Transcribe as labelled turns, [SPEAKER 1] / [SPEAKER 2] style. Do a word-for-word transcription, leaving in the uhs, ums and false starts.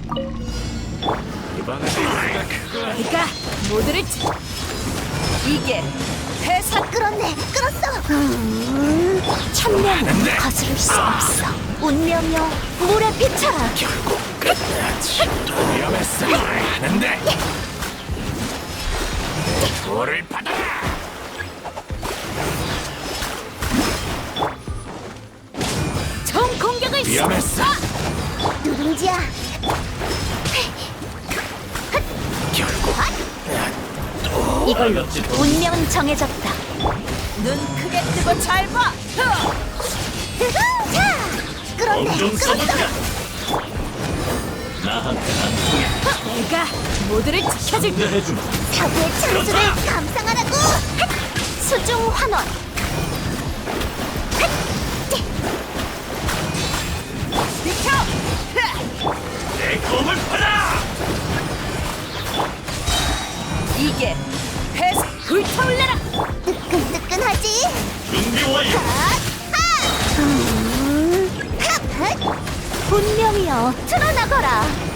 [SPEAKER 1] 이번엔 내가 그거
[SPEAKER 2] 내가 모두를 치- 이게 회사
[SPEAKER 3] 끌었네, 끌었어. 음, 천명은 거스를 수 없어. 운명여 물에 비쳐라.
[SPEAKER 1] 결국 끝났지. 위험했어. 하는데 돌을 받아라.
[SPEAKER 2] 총 공격을 시-
[SPEAKER 1] 위험했어.
[SPEAKER 3] 누룽지야.
[SPEAKER 1] 결국
[SPEAKER 3] 이걸로 운명은 정해졌다.
[SPEAKER 2] 눈 크게 뜨고 잘 봐.
[SPEAKER 3] 자, 끌었네,
[SPEAKER 1] 엄청
[SPEAKER 3] 끌었어.
[SPEAKER 1] 써볼까? 나한테 안 통해.
[SPEAKER 2] 내가 모두를 지켜줄게.
[SPEAKER 1] 해주마.
[SPEAKER 3] 사고의 창수를 감상하라고. 수중 환원.
[SPEAKER 2] 비켜.
[SPEAKER 1] 내 검을 받아.
[SPEAKER 2] 이게 회사 불타올라라.
[SPEAKER 3] 뜨끈뜨끈하지.
[SPEAKER 1] 준비 완료.
[SPEAKER 3] 음, 핫, 핫. 운명이여 드러나거라.